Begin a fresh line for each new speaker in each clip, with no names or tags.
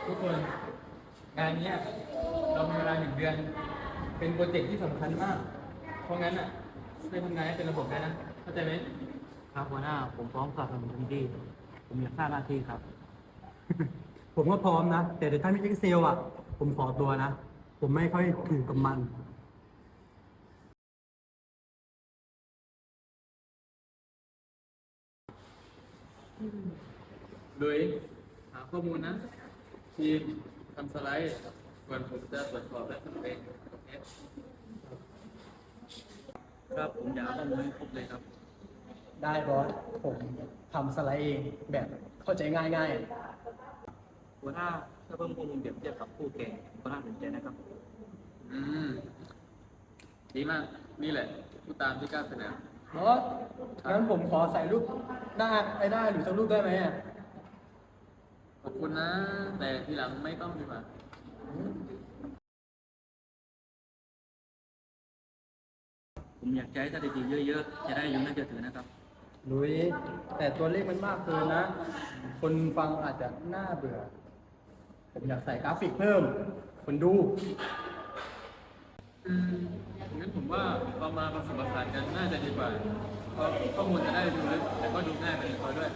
ทุกคนงานเนี้ยเรามีเวลา1 เดือนเป็นโปรเจกต์ที่สำคัญมากเพราะงั้นอ่ะช่วยทำงานให้เป็นระบบได้นะเข้าใจไหม
ครับหัวหน้าผมพร้อมสนับสนุนเต็มที่ผมอยากทราบหน้าที่ครับ
ผมก็พร้อมนะ แต่ถ้ามี Excel อ่ะ ผมขอตัวนะ ผมไม่ค่อยถูกกับมัน
โดยหาข้อมูลนะทีมทำสไลด์ส่วนผมจะตรวจสอบและสรุปเองโอเค
ครับผมอยากเอาข้อมูลให้ครบเลยครับ
ได้บอส ผมทำสไลด์เองแบบเข้าใจง่าย
หัวหน้าถ้าเพิ่มข้อมูลเปรียบเทียบกับคู่แข่งก็น่าสนใจนะครับ
อืมดีมากนี่แหละผู้ตามที่กล้าเสนอ
ๆบอส งั้นผมขอใส่รูปได้หรือสักรูปได้ไหมอ่ะ
ขอบคุณนะ แต่ทีหลังไม่ต้องดีกว่า
ผมอยากใช้สถิติเยอะๆ จะได้ยุ่งน่าจะถือนะครับ
ลุย แต่ตัวเลขมันมากเกินนะ คนฟังอาจจะน่าเบื่อ ผมอยากใส่กราฟิกเพิ่ม คนดู
อืมงั้นผมว่าเรามาผสมผสานกันน่าจะดีกว่าเพราะข้อมูลจะได้ดูลึกแต่ก็ดูง่ายไปในตัวด้วย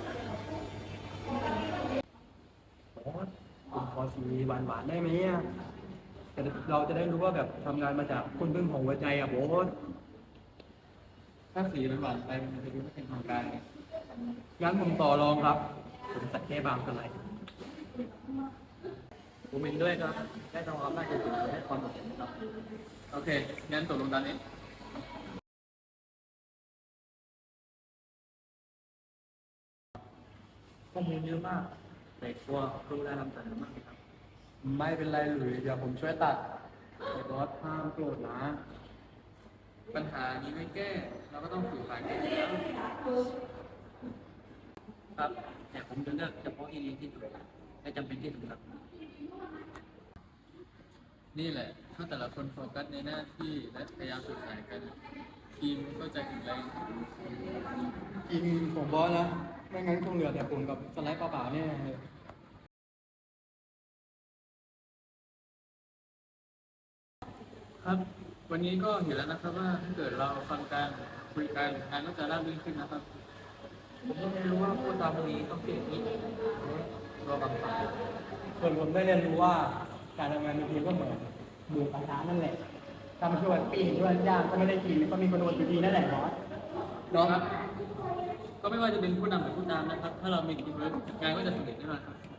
บอสผมขอสีหวานๆได้ไหมอ่ะแต่เราจะได้รู้ว่าแบบทำงานมาจากคนพึ่งของหัวใจอ่ะบอส
ถ้าสีมันหวานไปมันจะดูไม่เป็นทางการไง
งั้นผมต่อรองครับ ผมใส่แค่บางสไลด์
ผมเห็นด้วยครับ ได้ทำความน่าจะถือและความโดดเด่นนะครับ
โอเค งั้นตกลงตามนี้
ข้อมูลเยอะมาก แต่กลัวรู้ได้นำเสนอมากเลยครับ
ไม่เป็นไรหลุยเดี๋ยวผมช่วยตัดแต่บอสห้ามโกรธนะ
ปัญหานี้ไม่แก้ เราก็ต้องสื่อสารกันอยู่แล้ว
ครับ แต่ผมจะเลือกเฉพาะที่ดีที่สุดและจำเป็นที่สุดครับ
นี่แหละ ถ้าแต่ละคนโฟกัสในหน้าที่และพยายามสื่อสารกัน ทีมก็จะแข็งแรง
จริงผมบอสนะ ไม่งั้นคงเหลือแต่ผมกับสไลด์เปล่าๆแน่เลย
ครับ วันนี้ก็เห็นแล้วนะครับว่าถ้าเกิดเราฟังกันคุยกันงานก็จะราบรื่นขึ้นนะครับ
ผมก็ไม่รู้ว่าผู้ตามคนนี้ต้องเปลี่ยนนี้รอบางฝ่าย
ส่วนผมได้เรียนรู้ว่าการทำงานเป็นทีมก็เหมือนหมูกระทะนั่นแหละถ้ามาช่วยปิ้งด้วยย่างก็ไม่ได้กินก็มีคนโดนอยู่ดีนั่นแหละบอส
เนาะครับ ก็ไม่ว่าจะเป็นผู้นำหรือผู้ตามนะครับ ถ้าเรามีทีมเวิร์กงานก็จะสำเร็จแน่นอนครับ